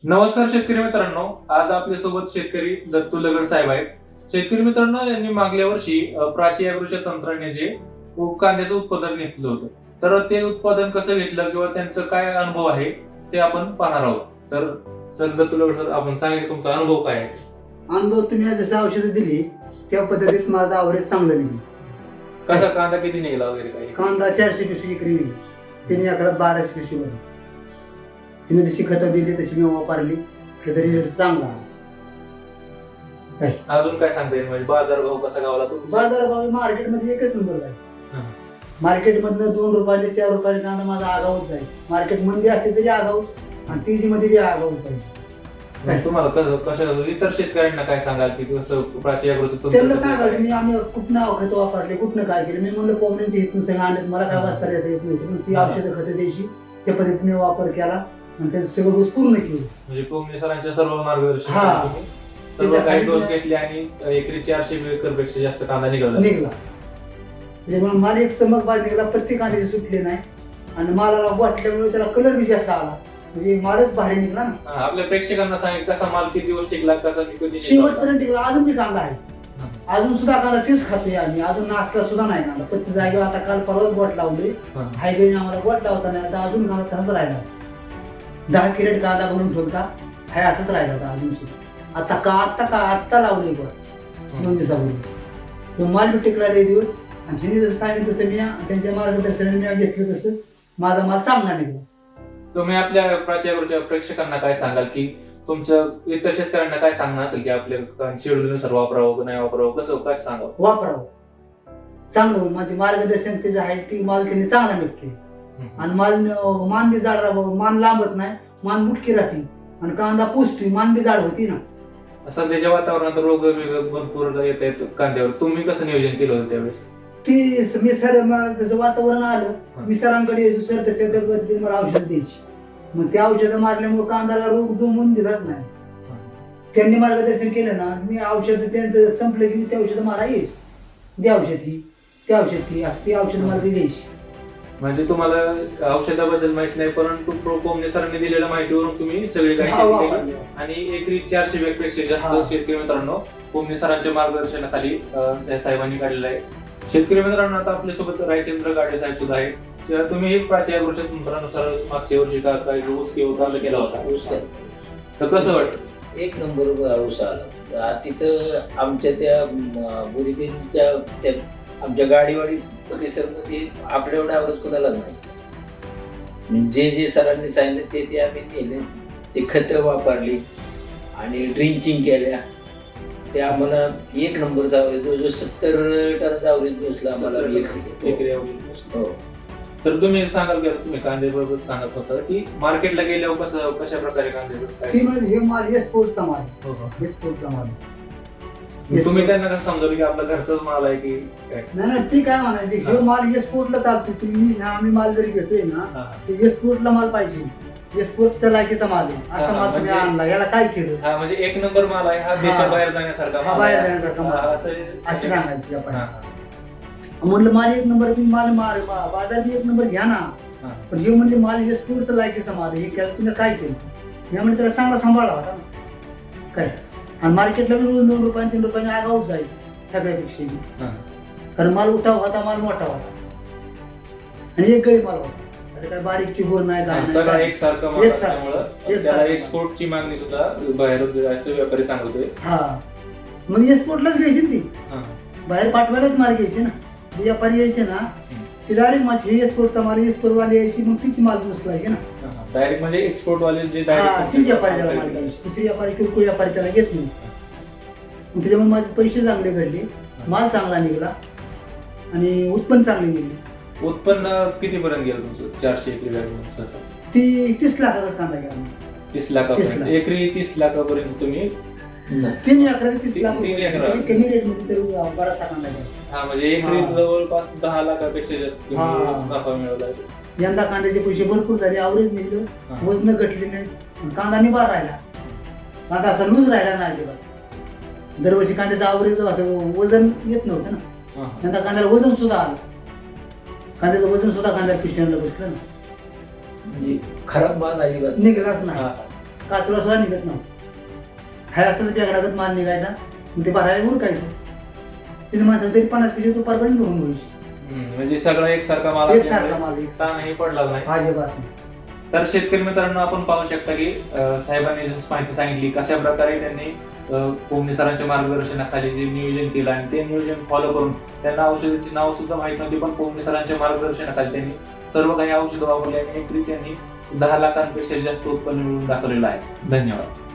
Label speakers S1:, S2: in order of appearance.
S1: नमस्कार शेतकरी मित्रांनो, आज आपल्यासोबत शेतकरी दत्तू लगड साहेब आहेत. शेतकरी मित्रांनो, यांनी मागल्या वर्षी प्राची ॲग्रोच्या तंत्राने कांद्याचं उत्पादन घेतलं होतं. तर ते उत्पादन कसं घेतलं किंवा त्यांचं काय अनुभव आहे ते आपण पाहणार आहोत. तर सर दत्तू लगड सर, आपण सांगा की तुमचा अनुभव काय आहे.
S2: अनुभव तुम्ही जसं औषधं दिली त्या पद्धतीत माझं आवरेज चांगलं निघलं.
S1: कसा कांदा किती निघाला वगैरे काय?
S2: कांदा 400 पिशवी एकरी निघली, 3 एकरात 1200 पिशवी भरली. तुम्ही जशी खतं दिली तशी मी वापरली, त्याचा रिझल्ट चांगला आला.
S1: अजून काय सांगता येईल, म्हणजे बाजार भाव कसा गावला तुमचा?
S2: बाजारभाव मार्केटमध्ये एकच नंबर आहे. मार्केटमधनं 2 रुपयाने 4 रुपयाने कांदा माझा आगाऊच जाईल. मार्केट मंदी असली तरी आगाऊच आणि तेजी मध्ये बी आगाऊच जाईल.
S1: तुम्हाला कसं इतर शेतकऱ्यांना काय सांगाल की कसं प्राची ॲग्रोचं
S2: त्यांना सांगा की आम्ही कुठनं खतं वापरले, कुठनं काय केलं. मी म्हणलं पोमण्याची हितून सगळं आणत, मला काय वाचता येत नव्हतं. ती औषधं खतं द्यायची, त्या पद्धतीने वापर केला आणि त्याचं सगळं डोस पूर्ण केलं.
S1: म्हणजे पोमणे सरांच्या सर्व मार्गदर्शन
S2: हा.
S1: सर्व काही डोस घेतले आणि एकरी 400 एकर पेक्षा जास्त कांदा निघाला.
S2: त्याच्यामुळे मला एक चमक बाज निघाला, प्रत्येक कांद्याचे सुटले नाही आणि मालाला वाटल्यामुळे त्याला कलर बी जास्त आला. म्हणजे मालच भारी निघला ना.
S1: आपल्या प्रेक्षकांना सांग कसा माल किती दिवस टिकला, कसा कधी
S2: शेवटपर्यंत टिकला. अजून बी कांदा आहे, अजून सुद्धा कांदा तेच खातोय आम्ही. अजून नाचला सुद्धा नाही कांदा. प्रत्येक जागेवर आता काल परवाच बोट लावले, हायगेने आम्हाला बोट लावता नाही. आता अजून कांदा तसाच राहिला. 10 कॅरेट कांदा भरून ठेवता हाय असंच राहिला होता अजून सुद्धा. आत्ता लावले बोट 2 दिवसापूर्वी. तो माल बी टिकला लय दिवस आणि त्यांनी जसं सांगितलं तसं मी त्यांच्या मार्गदर्शनाने मी घेतलं तसं माझा माल चांगला निघला.
S1: तुम्ही आपल्या प्राची ॲग्रोच्या प्रेक्षकांना काय सांगाल की तुमचं इतर शेतकऱ्यांना काय सांगणं असेल की आपल्या शेड्यूलनुसार वापरावं नाही वापरावं, कसं काय सांगावं?
S2: वापरावं चांगलं. माझे मार्गदर्शन त्याचं आहे, ती माल त्यांनी चांगला निघते आणि मान बी जाड राहावं. मान लांबत नाही, मान मुटकी राहते आणि कांदा पुसतोय, मान बी जाड होती ना.
S1: सध्याच्या वातावरणात रोग भरपूर येत आहेत कांद्यावर. तुम्ही कसं नियोजन केलं होतं त्यावेळेस?
S2: ती मी सर जसं वातावरण आलं, मी सरांकडे यायचो. सर तसं त्या पद्धतीने मला औषधं द्यायची. मग त्या औषधं मारल्यामुळे कांद्याला रोग जमून दिलाच नाही. त्यांनी मार्गदर्शन केलं ना, मी औषध त्यांचं संपलं की त्या औषधं मारा यायची. द्या औषध ही, त्या औषध ही, असं ती औषध मला ती द्यायची.
S1: म्हणजे तुम्हाला औषधाबद्दल माहित नाही, परंतु पोमणे सरांनी दिलेल्या माहितीवरून तुम्ही सगळी काही शेती केली आणि एकरी 400 पेक्षा जास्त शेतकरी मित्रांनो पोमणे सरांच्या मार्गदर्शनाखाली साहेबांनी काढलेलं आहे. शेतकरी मित्रांनो, आता आपल्यासोबत रायचंद्र गाडे साहेब सुद्धा आहेत. तुम्ही एक प्राची ॲग्रोच्या तंत्रानुसार मागच्या वर्षी काय ऊस किंवा कांदा केला होता, तर कसं वाटतं?
S3: एक नंबर ऊस आला. तिथं आमच्या त्या बुरीबेलच्या त्या आमच्या गाडीवाडी परिसरमध्ये आपल्या एवढं आवडत कोणाला नाही. जे सरांनी सांगितलं ते आम्ही केले. ते खतं वापरली आणि ड्रिंचिंग केल्या. ते आम्हाला एक नंबरचा आवरेज, जो 70 टनाचा आवरेज बसला आम्हाला.
S1: हो. तर तुम्ही सांगाल की तुम्ही कांद्याबरोबर सांगत होता की मार्केटला गेल्यावर कशा प्रकारे कांद्याचं
S2: हे माल एक्सपोर्टचा माल, एक्सपोर्टचा माल.
S1: तुम्ही त्यांना कसं समजवलं की आपला घरचाच माल आहे की काय?
S2: नाही, ती काय म्हणायची, हे माल एक्सपोर्टला चालतो. तुम्ही आम्ही माल जरी घेतोय ना, एक्सपोर्टला माल पाहिजे. एक्सपोर्टचा लायकीचा माल आहे, असा माल तुम्ही आणला. याला काय केलं?
S1: हा, म्हणजे एक नंबर माल आहे हा, देशाबाहेर जाण्यासारखा
S2: हा, बाहेर जाण्यासारखा माल असं सांगायची आपण. म्हणलं माल एक नंबर, तुम्ही माल बाजार बी एक नंबर घ्या ना, पण हे म्हणले माल एक्सपोर्टचा लायकीचा माल. हे केलं तुम्ही काय केलं? मी म्हणजे त्याला चांगला सांभाळला होता ना काय. आणि मार्केटला बी रोज 2 रुपयाने 3 रुपयाने आगाऊच जायचं सगळ्यापेक्षा. कारण माल उठाव होता, माल मोठा होता आणि एक गळी माल होता. असं काय बारीक चिगोर नाही,
S1: सगळा एकसारखा माल असल्यामुळं त्याला एक्सपोर्टची मागणी सुद्धा बाहेर असं व्यापारी सांगत होते.
S2: हा, मग एक्सपोर्टलाच घ्यायची ना ती, बाहेर पाठवायलाच माल घ्यायचे ना. जे व्यापारी यायचे ना ते डायरेक्ट माझी हे एक्सपोर्टचा माल, एक्सपोर्ट वाले यायची, मग तीच माल उचलायची ना
S1: डायरेक्ट. म्हणजे एक्सपोर्ट वाले जे
S2: तीच व्यापारी त्याला माल घ्यायची, दुसरी व्यापारी किरकोळ व्यापारी त्याला घेत नाही. मग त्याच्यामुळे माझे पैसे चांगले घडले, माल चांगला निघाला आणि उत्पन्न चांगले निघले.
S1: उत्पन्न कितीपर्यंत गेलं तुमचं 400 एकरी?
S2: ती 30 लाखाचा कांदा गेला.
S1: 30 लाखापर्यंत एकरी 30 लाखापर्यंत तुम्ही
S2: 3 एकराचे 30 लाख
S1: तीन एकराचे.
S2: कमी रेट मध्ये तरी बराचसा कांदा गेला.
S1: हा, म्हणजे एकरी जवळपास 10 लाखापेक्षा जास्त नफा मिळवला.
S2: यंदा कांद्याचे पैसे भरपूर झाले, आवरेज निघलं, वजन घटले नाही, कांदा निभार राहिला. कांदा असा लूज राहिला नाही अजिबात. दरवर्षी कांद्याचं आवरेज असं वजन येत नव्हतं ना, यंदा कांद्याला वजन सुद्धा आलं. कांद्याचं वजन सुद्धा कांद्याला पिशव्यांना बसलं ना,
S3: म्हणजे खराब माल अजिबात
S2: निघलाच नाही. काचुला सुद्धा निघत नव्हतं. हाय असंच बेगडागत माल निघायचा, मग ते भरायला उरकायचं. तिने माणसं तरी 50 पिशवी तू परपर्यंत भरून घ्यायची.
S1: म्हणजे सगळं एकसारखा माल
S2: एकसारखा
S1: असल्यामुळे
S2: माल
S1: ताणही पडला नाही.
S2: अजिबात नाही.
S1: तर शेतकरी मित्रांनो, आपण पाहू शकता की साहेबांनी जसं माहिती सांगितली कशा प्रकारे त्यांनी कोमने सरांच्या मार्गदर्शनाखाली जे नियोजन केलं आणि ते नियोजन फॉलो करून त्यांना औषधाची नाव सुद्धा माहित नव्हती, पण कोमने सरांच्या मार्गदर्शनाखाली त्यांनी सर्व काही औषधं वापरली आणि एकरी त्यांनी 10 लाखांपेक्षा जास्त उत्पन्न मिळवून दाखवलेलं आहे. धन्यवाद.